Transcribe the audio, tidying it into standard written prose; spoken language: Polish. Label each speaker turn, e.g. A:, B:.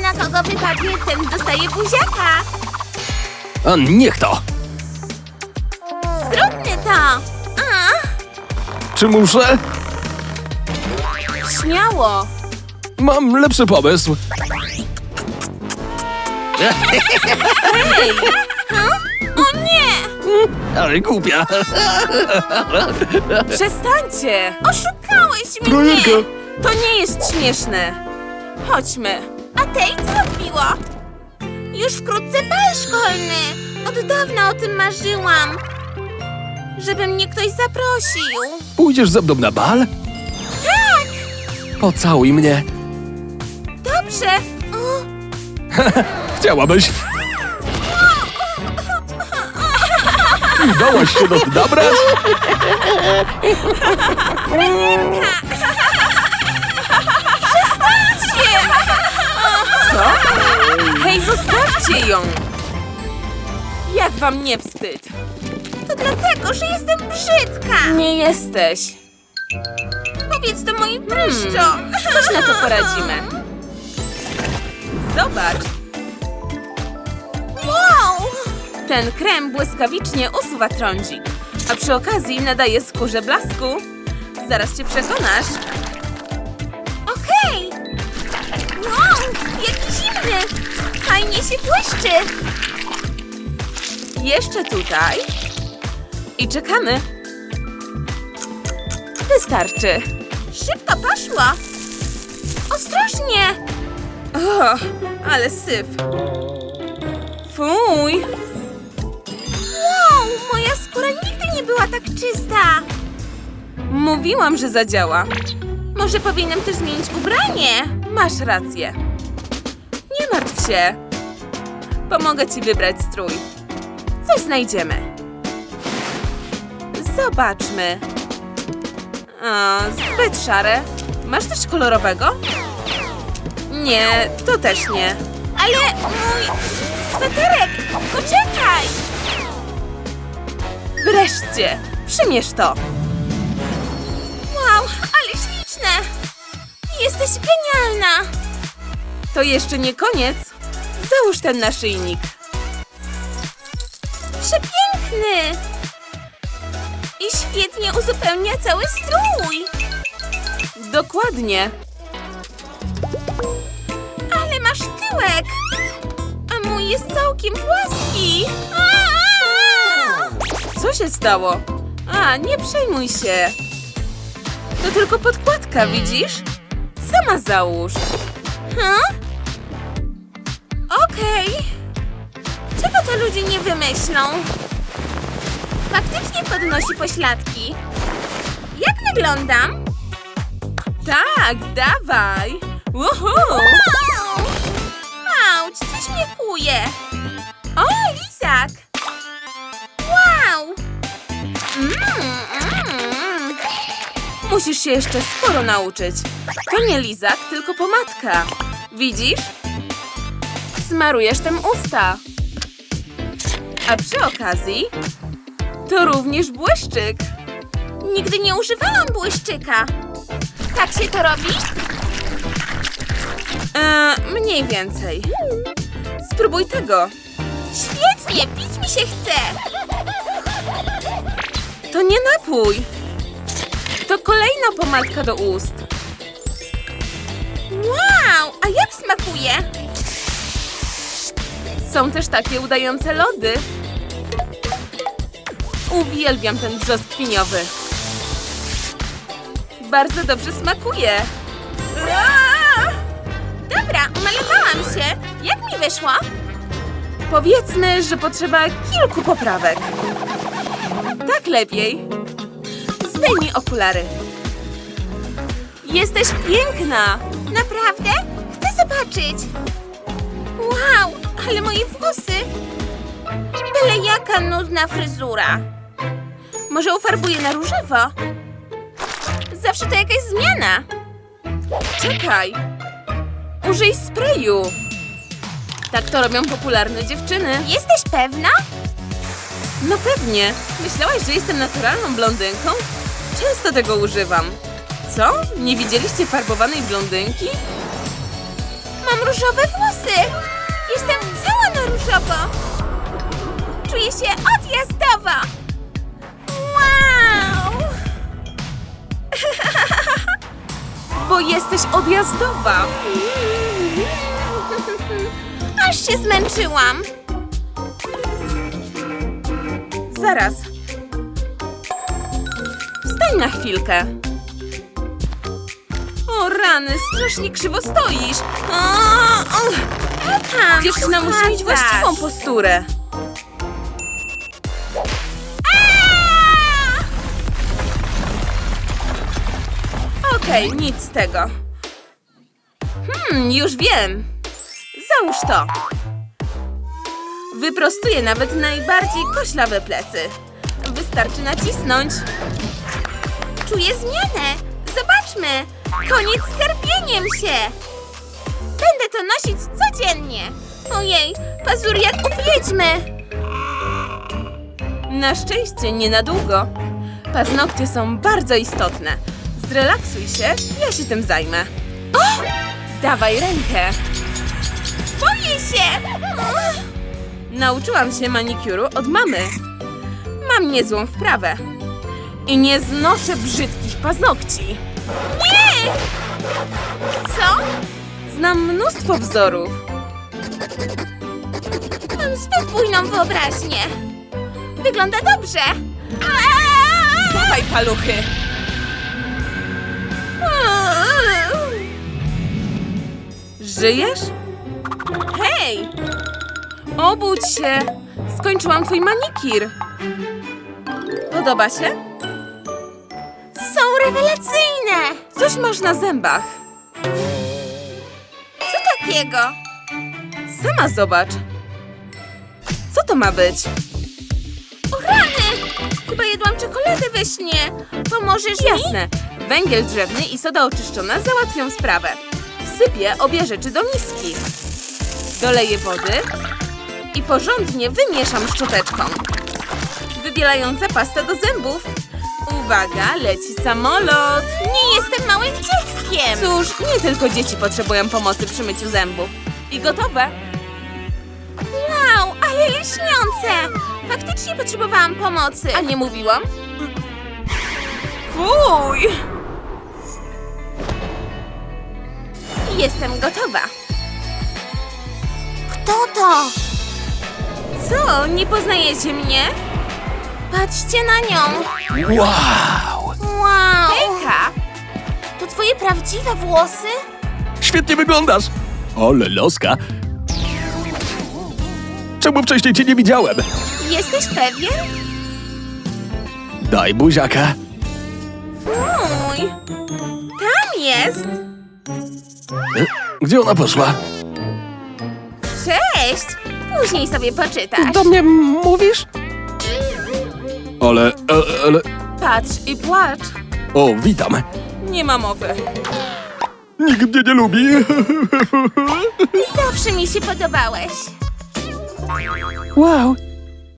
A: na kogo wypadnie, ten dostaje buziaka.
B: A niech to!
A: Zróbmy to. A,
B: Czy muszę?
A: śmiało.
B: Mam lepszy pomysł.
A: O nie!
B: Ale głupia.
C: Przestańcie!
A: Oszukałeś mnie!
B: Trojerka.
C: To nie jest śmieszne. Chodźmy.
A: A tej co odbiło? Już wkrótce bal szkolny. Od dawna o tym marzyłam. Żeby mnie ktoś zaprosił.
B: Pójdziesz ze mną na bal?
A: Tak!
B: Pocałuj mnie.
A: Dobrze. O,
B: Chciałabyś? Dałaś się do nabrać?
C: Co? Hej, zostawcie ją! Jak wam nie wstyd?
A: to dlatego, że jestem brzydka.
C: Nie jesteś.
A: Powiedz to moi pryszczom.
C: Coś na to poradzimy. Zobacz,
A: Wow!
C: ten krem błyskawicznie usuwa trądzik, a przy okazji nadaje skórze blasku. Zaraz cię przekonasz.
A: Okej. Wow, jaki zimny. Fajnie się błyszczy.
C: Jeszcze tutaj. I czekamy. Wystarczy.
A: Szybko poszło. Ostrożnie.
C: O, ale syf. Fuj.
A: Wow, moja skóra nigdy nie była tak czysta.
C: Mówiłam, że zadziała.
A: Może powinnam też zmienić ubranie?
C: Masz rację. Nie martw się. Pomogę ci wybrać strój. Coś znajdziemy. Zobaczmy. O, zbyt szare. Masz coś kolorowego? Nie, to też nie.
A: Ale mój sweterek, poczekaj.
C: Wreszcie, przymierz to.
A: Wow, ale śliczne. Jesteś genialna.
C: To jeszcze nie koniec. Załóż ten naszyjnik.
A: Przepiękny. I świetnie uzupełnia cały strój.
C: Dokładnie.
A: Ale masz tyłek. A mój jest całkiem płaski. Aaa!
C: Co się stało? A, nie przejmuj się. To tylko podkładka, widzisz? Sama załóż.
A: Okej. Czego to ludzie nie wymyślą? Faktycznie podnosi pośladki. Jak wyglądam?
C: Tak, dawaj. Uhu.
A: Wow! Auć, coś mnie kuje. O, lizak. Wow!
C: Musisz się jeszcze sporo nauczyć. To nie lizak, tylko pomadka. Widzisz? Smarujesz tym usta. A przy okazji to również błyszczyk.
A: Nigdy nie używałam błyszczyka. Tak się to robi?
C: Mniej więcej. Spróbuj tego.
A: Świetnie, pić mi się chce.
C: To nie napój. To kolejna pomadka do ust.
A: Wow, a jak smakuje?
C: Są też takie udające lody. Uwielbiam ten brzoskwiniowy. Bardzo dobrze smakuje.
A: Aaa! Dobra, umalowałam się. Jak mi wyszło?
C: Powiedzmy, że potrzeba kilku poprawek. Tak lepiej. Zdejmij okulary. Jesteś piękna.
A: Naprawdę? Chcę zobaczyć. Wow, ale moje włosy. Byle jaka nudna fryzura. Może ufarbuję na różowo? Zawsze to jakaś zmiana.
C: Czekaj. Użyj sprayu. Tak to robią popularne dziewczyny.
A: Jesteś pewna?
C: No pewnie. Myślałaś, że jestem naturalną blondynką? Często tego używam. Co? Nie widzieliście farbowanej blondynki?
A: Mam różowe włosy! Jestem cała na różowo! Czuję się odjazdowo! Wow!
C: Bo jesteś odjazdowa.
A: Aż się zmęczyłam!
C: Zaraz. Wstań na chwilkę. O rany, strasznie krzywo stoisz.
A: Tam,
C: Dziewczyna musi mieć właściwą posturę. Okej, nic z tego. Już wiem. Załóż to. Wyprostuję nawet najbardziej koślawe plecy. Wystarczy nacisnąć.
A: Czuję zmianę! Zobaczmy! Koniec z karpieniem się! Będę to nosić codziennie! Ojej, pazury jak u wiedźmy!
C: Na szczęście nie na długo. Paznokcie są bardzo istotne. Zrelaksuj się, ja się tym zajmę. Dawaj rękę.
A: Boję się!
C: Nauczyłam się manikuru od mamy. Mam niezłą wprawę. I nie znoszę brzydkich paznokci.
A: Nie! Co?
C: Znam mnóstwo wzorów.
A: Mam zbyt bujną wyobraźnię! Wygląda dobrze!
C: Dawaj, paluchy. Żyjesz? Hej! Obudź się! Skończyłam twój manikir. Podoba się?
A: Są rewelacyjne!
C: Coś masz na zębach.
A: Co takiego?
C: Sama zobacz. Co to ma być?
A: O rany! Chyba jadłam czekoladę we śnie! Pomożesz mi?
C: Jasne. Węgiel drzewny i soda oczyszczona załatwią sprawę. Wsypię obie rzeczy do miski. Doleję wody i porządnie wymieszam szczoteczką. Wybielająca pasta do zębów. Uwaga, leci samolot.
A: Nie jestem małym dzieckiem!
C: Cóż, nie tylko dzieci potrzebują pomocy przy myciu zębów. I gotowe.
A: Wow, ale lśniące! Faktycznie potrzebowałam pomocy.
C: A nie mówiłam? Fuj!
A: Jestem gotowa. Kto to?
C: Co, nie poznajecie mnie?
A: Patrzcie na nią!
B: Wow!
A: Wow!
C: Hejka!
A: To twoje prawdziwe włosy?
B: Świetnie wyglądasz! Ole loska! Czemu wcześniej cię nie widziałem?
A: Jesteś pewien?
B: Daj buziaka.
A: Fuj! Tam jest!
B: Gdzie ona poszła?
A: Cześć! Później sobie poczytasz.
B: Do mnie mówisz? Ale...
C: Patrz i płacz.
B: O, witam.
C: Nie ma mowy.
B: Nikt mnie nie lubi.
A: Zawsze mi się podobałeś.
B: Wow,